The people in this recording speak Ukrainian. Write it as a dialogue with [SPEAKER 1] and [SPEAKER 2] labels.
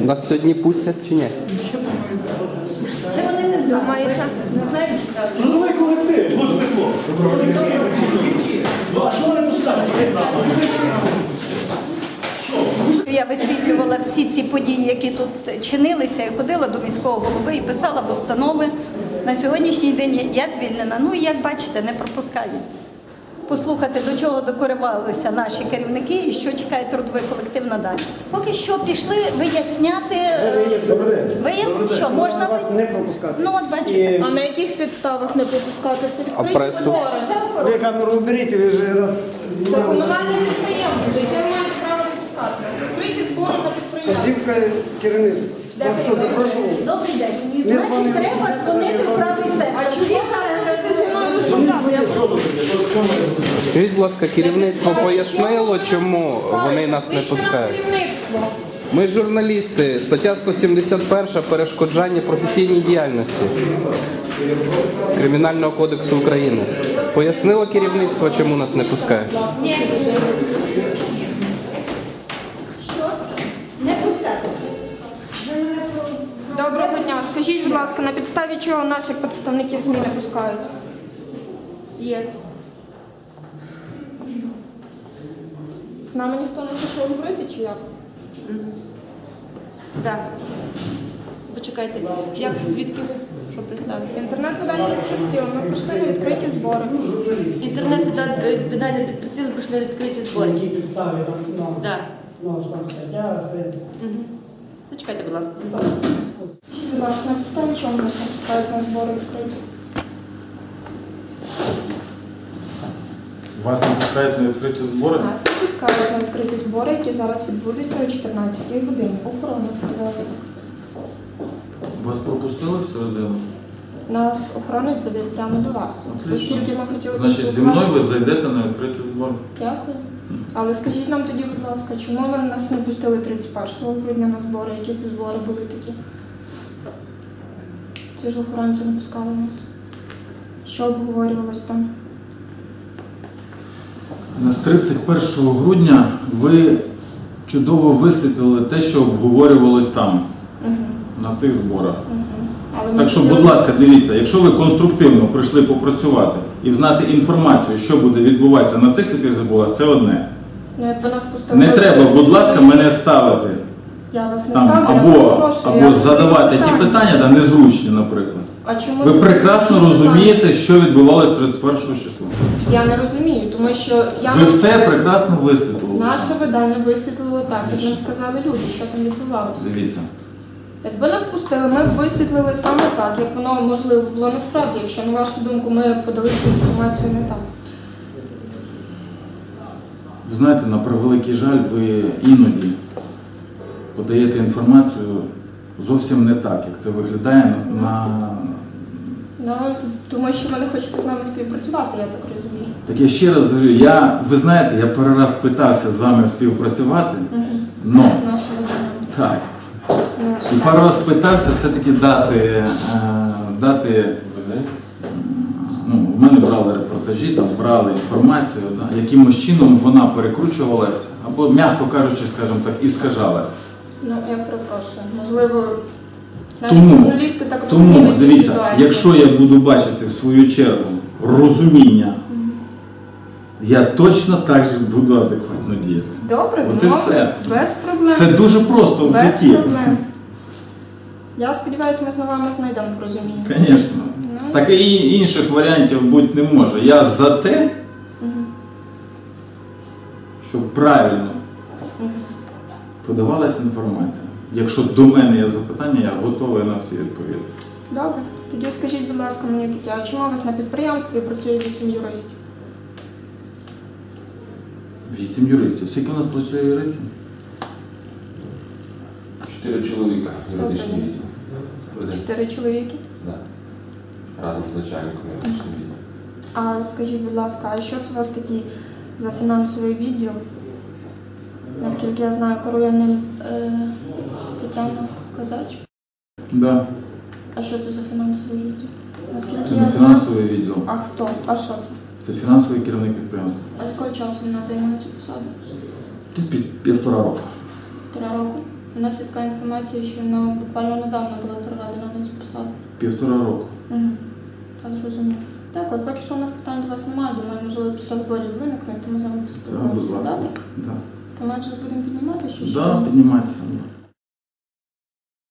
[SPEAKER 1] Нас сьогодні пустять чи ні?
[SPEAKER 2] Ще вони не знають. Не знають.
[SPEAKER 3] Трудовий колектив, дуже тепло. Ну, а що вони пускають?
[SPEAKER 2] Я висвітлювала всі ці події, які тут чинилися, і ходила до міського голови і писала постанови. На сьогоднішній день я звільнена. Ну і як бачите, не пропускають. Послухати, до чого докоривалися наші керівники і що чекає трудовий колектив надалі. Поки що пішли виясняти. Що, можна
[SPEAKER 4] вас не пропускати.
[SPEAKER 2] Ну от бачите.
[SPEAKER 5] А на яких підставах не пропускати? Це
[SPEAKER 1] А
[SPEAKER 5] відкриті
[SPEAKER 1] пресу?
[SPEAKER 5] збори.
[SPEAKER 4] Ви камеру уберіть, ви вже раз
[SPEAKER 5] Це
[SPEAKER 4] знімали.
[SPEAKER 5] комунальне підприємство, яке має право пропускати. Відкриті збори на підприємство.
[SPEAKER 4] Вказівка керівництва. Вас хто запрошував?
[SPEAKER 2] Добрий день. Значить, треба дзвонити в правий сектор.
[SPEAKER 1] Скажіть, будь ласка, керівництво пояснило, чому вони нас не пускають? Ми журналісти, стаття 171 перешкоджання професійній діяльності Кримінального кодексу України. Пояснило керівництво, чому нас не пускають?
[SPEAKER 2] Що? Не пускати.
[SPEAKER 5] Доброго дня. Скажіть, будь ласка, на підставі чого нас, як представників ЗМІ, не пускають? Є. З нами ніхто не хоче говорити, чи як?
[SPEAKER 6] Так. Почекайте, як, звідки ви? Що представити?
[SPEAKER 5] Інтернет-видання «Підприціл». Ми прийшли на відкриті збори.
[SPEAKER 6] Інтернет-видання підписали, пішли на відкриті збори.
[SPEAKER 4] Які підстави там?
[SPEAKER 6] Так.
[SPEAKER 4] Ну, ж там стаття, все.
[SPEAKER 6] Зачекайте, будь ласка.
[SPEAKER 5] Будь ласка, на підставі чого нас не пускають на збори відкриті?
[SPEAKER 7] Вас не пускають на відкриті збори?
[SPEAKER 5] Нас не пускають на відкриті збори, які зараз відбудуться о 14-й годині. Охорона сказала так.
[SPEAKER 7] Вас пропустили всередину?
[SPEAKER 5] Нас охоронець завів прямо до вас. Оскільки ми хотіли
[SPEAKER 7] Значить, зі мною ви зайдете на відкриті збори?
[SPEAKER 5] Дякую. Але скажіть нам тоді, будь ласка, чому ви нас не пустили 31 грудня на збори? Які це збори були такі? Ці ж охоронці не пускали нас. Що обговорювалось там?
[SPEAKER 7] На 31 грудня ви чудово висвітлили те, що обговорювалось там, на цих зборах.
[SPEAKER 5] Але ми
[SPEAKER 7] Так що,
[SPEAKER 5] хотіли-
[SPEAKER 7] будь ласка, дивіться, якщо ви конструктивно прийшли попрацювати і знати інформацію, що буде відбуватися на цих відкритих зборах, це одне.
[SPEAKER 5] Ну, якби нас пустили...
[SPEAKER 7] Не треба, будь ласка, мене ставити
[SPEAKER 5] Я вас не
[SPEAKER 7] там,
[SPEAKER 5] ставлю, я
[SPEAKER 7] або
[SPEAKER 5] попрошу. Я
[SPEAKER 7] задавати ті
[SPEAKER 5] питання.
[SPEAKER 7] питання, да, незручні, наприклад.
[SPEAKER 5] А чому
[SPEAKER 7] Ви
[SPEAKER 5] це
[SPEAKER 7] прекрасно
[SPEAKER 5] питання?
[SPEAKER 7] розумієте, що відбувалося 31 числа.
[SPEAKER 5] Я не розумію, тому що я...
[SPEAKER 7] Ви все прекрасно висвітлили.
[SPEAKER 5] Наше видання висвітлило так, як нам сказали люди, що там відбувалося.
[SPEAKER 7] Дивіться.
[SPEAKER 5] Якби нас пустили, ми б висвітлили саме так, як воно можливо було насправді, якщо, на вашу думку, ми подали цю інформацію не так.
[SPEAKER 7] Ви знаєте, на превеликий жаль, ви іноді подаєте інформацію зовсім не так, як це виглядає
[SPEAKER 5] Ну, тому що ви не хочете з нами співпрацювати, я так розумію.
[SPEAKER 7] Так я ще раз говорю, ви знаєте, я перший раз питався з вами співпрацювати, но,
[SPEAKER 5] З нашого видання.
[SPEAKER 7] так,
[SPEAKER 5] Ну,
[SPEAKER 7] і пару раз питався все-таки дати, ну, в мене брали репортажі, там брали інформацію, да, якимось чином вона перекручувалась, або, м'яко кажучи, скажімо так, іскажалась.
[SPEAKER 5] Ну, я перепрошую. Можливо, наші журналісти так
[SPEAKER 7] Тому,
[SPEAKER 5] розуміють цю
[SPEAKER 7] дивіться,
[SPEAKER 5] ситуацію.
[SPEAKER 7] якщо я буду бачити в свою чергу розуміння, я точно так же буду адекватно діяти.
[SPEAKER 5] Добре,
[SPEAKER 7] От і все.
[SPEAKER 5] без проблем.
[SPEAKER 7] Все дуже просто в
[SPEAKER 5] Без
[SPEAKER 7] житті.
[SPEAKER 5] проблем. Я сподіваюся, ми з вами знайдемо порозуміння.
[SPEAKER 7] Звісно.
[SPEAKER 5] Ну,
[SPEAKER 7] Так і інших варіантів бути не може. Я за те, щоб правильно подавалася інформація. Якщо до мене є запитання, я готовий на всі відповісти.
[SPEAKER 5] Добре. Тоді скажіть, будь ласка, мені таке, а чому у вас на підприємстві працює 8 юристів?
[SPEAKER 7] 8 юристів. Скільки у нас працює юристів?
[SPEAKER 8] 4 чоловіка юридичний
[SPEAKER 5] Добре.
[SPEAKER 8] відділ.
[SPEAKER 5] 4 чоловіки.
[SPEAKER 8] Так. Разом з начальником юридичного відділу.
[SPEAKER 5] А скажіть, будь ласка, а що це у вас такий за фінансовий відділ? Наскільки я знаю, керує ним Тетяна Козач.
[SPEAKER 7] Да.
[SPEAKER 5] А що це за фінансовий відділ? Наскільки
[SPEAKER 7] Це
[SPEAKER 5] я
[SPEAKER 7] не
[SPEAKER 5] знаю.
[SPEAKER 7] фінансовий відділ.
[SPEAKER 5] А хто? А що це?
[SPEAKER 7] Це фінансовий керівник підприємства.
[SPEAKER 5] А з якого часу вона займає цю посаду?
[SPEAKER 7] Десь 1,5 року.
[SPEAKER 5] 3 роки. У нас є така інформація, що вона буквально недавно була переведена на цю посаду.
[SPEAKER 7] 1,5 року.
[SPEAKER 5] Угу. Так, зрозуміло. Так, от поки що у нас питань до вас немає, думаю, можливо, після зборів виникне, тому з вами
[SPEAKER 7] Так, будь
[SPEAKER 5] поспілкуємося.
[SPEAKER 7] ласка.
[SPEAKER 5] Добре?
[SPEAKER 7] Да.
[SPEAKER 5] То ми вже будемо піднімати, що
[SPEAKER 7] Да, піднімайтеся.